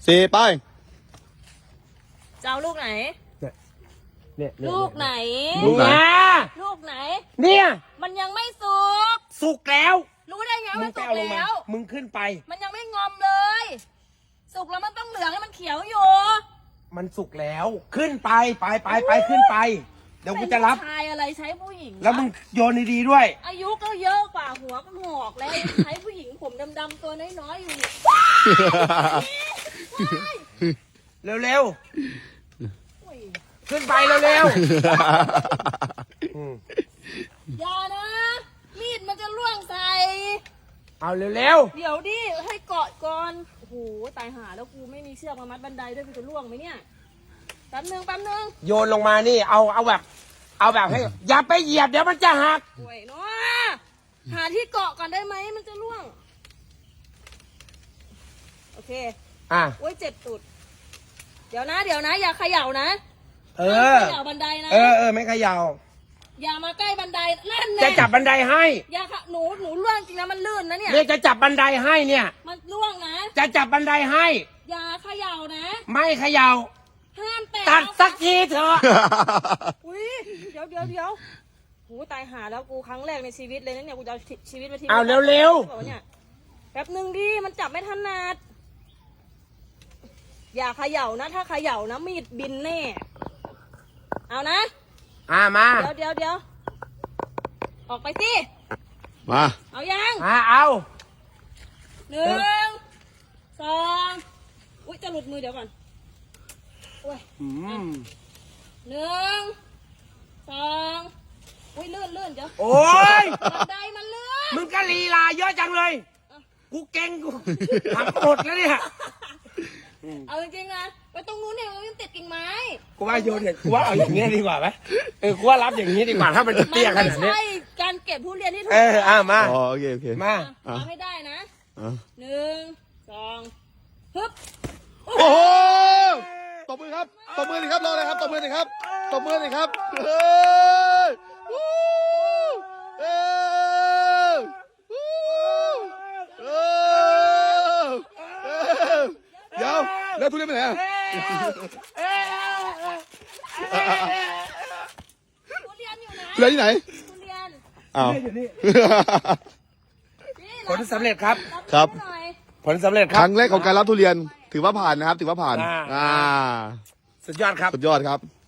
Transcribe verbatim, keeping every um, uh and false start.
สี่ไปจะเอาลูกไหนเนี่ยลูกไหนลูกไหนลูกไหนเนี่ยมันยังไม่สุกสุกแล้วรู้ได้ไงมึมันงไปสุกเอาลงมาแล้วมึงขึ้นไปมันยังไม่งอมเลย สุกแล้วมันต้องเหลืองให้มันเขียวอยู่มันสุกแล้วขึ้นไปไปไปไปขึ้นไป เดี๋ยวกูจะรับใช้ผู้ชายอะไรใช้ผู้หญิงแล้วมึงโยนดีๆด้วยอายุก็เยอะกว่าหัวก็หงอกแล้วใช้ผู้หญิงผมดำๆตัวน้อยๆอยู่เนี่ยเร็วโอ้ยๆขึ้นไปเร็วๆอืมอย่านะ มีดมันจะล่วงใส่เอาเร็วเดี๋ยวดิให้เกาะก่อนโอ้โหตายหาแล้วกูไม่มีเชือกมามัดบันไดด้วยกูจะล่วงไหมเนี่ยแป๊บนึงแป๊บนึงๆโยนลงมานี่เอาเอาแบบ เอาแบบให้อย่าไปเหยียบเดี๋ยวมันจะหักป่วยเนาะหาที่เกาะก่อนได้ไหมมันจะล่วงโอเคอ่ะโอ้ยเจ็บตุดเดี๋ยวนะ เดี๋ยวนะ อย่าเขย่านะเอห้ามอเขย่าบันไดนะเออเออไม่เขย่าอย่ามาใกล้บันไดนั่นจะแน่จับบันไดให้อย่าค่ะหนูหนูล่วงจริงนะมันลื่นนะเนี่ยเนี่ยจะจับบันไดให้เนี่ยมันล่วงนะจะจับบันไดให้อย่าเขย่านะไม่เขย่าห้ามแตะตัดสักทีเถอะอุ้ยเดี๋ยวเดี๋ยวเดี๋ยวโหตายหาแล้วกูครั้งแรกในชีวิตเลยนะเนี่ยกูจะเอาชีวิตมาทิ้งเอาเร็วบอกว่าเนี่ยแป๊บหนึ่งดิมันจับไม่ถนัดอย่าเขย่านะ ถ้าเขย่านะมีดบินแน่เอานะๆอ่ามาเดี๋ยวเดี๋ยวเดี๋ยวออกไปสิมาเอายังอ่าเอาหนึ่งสองอุ้ยจะหลุดมือเดี๋ยวก่อนโอ้ยอืมหนึ่งสองอุ้ยลื่นลื่นเดี๋ยวโอ้ยบันไดมันลื่นมึงก็ลีลาเยอะจังเลย กูเก่งกูหักหมดแล้วเนี่ยเอาจริงๆนะไปตรงนู้นเนี่ยมันติดกิ่งไม้กูว่าโยนเนี่ยกูว่าเอาอย่างเงี้ยดีกว่าไหมเออกูว่ารับอย่างนี้ดีกว่าถ้ามันจะมัเตี้ยขไม่นาดนี้ใช่การเก็บทุเรียนที่ถูกเอออ่ามาอ๋อโอเคโอเคมาเอาให้ได้นะอ่ะหนึ่งสองฮึบโอ้โหตบมือครับตบมือหน่อยครับรอเลยครับตบมือหน่อยครับตบมือหน่อยครับเฮ้ยวู้เอ้ยวู้เอ้ยเอ้ยเดี๋ยวแล้วทุเรียนไปไหนอ่ะทุเรียนอยู่ไหนทุเรียนที่ไหนทุเรียนอ้าวนี่ผลสำเร็จครับครับหน่อยผลสำเร็จคครับ รั้งแรกของการรับทุเรียนถือว่าผ่านนะครับ ถือว่าผ่านอ่าอ่าสุดยอดครับสุดยอดครับ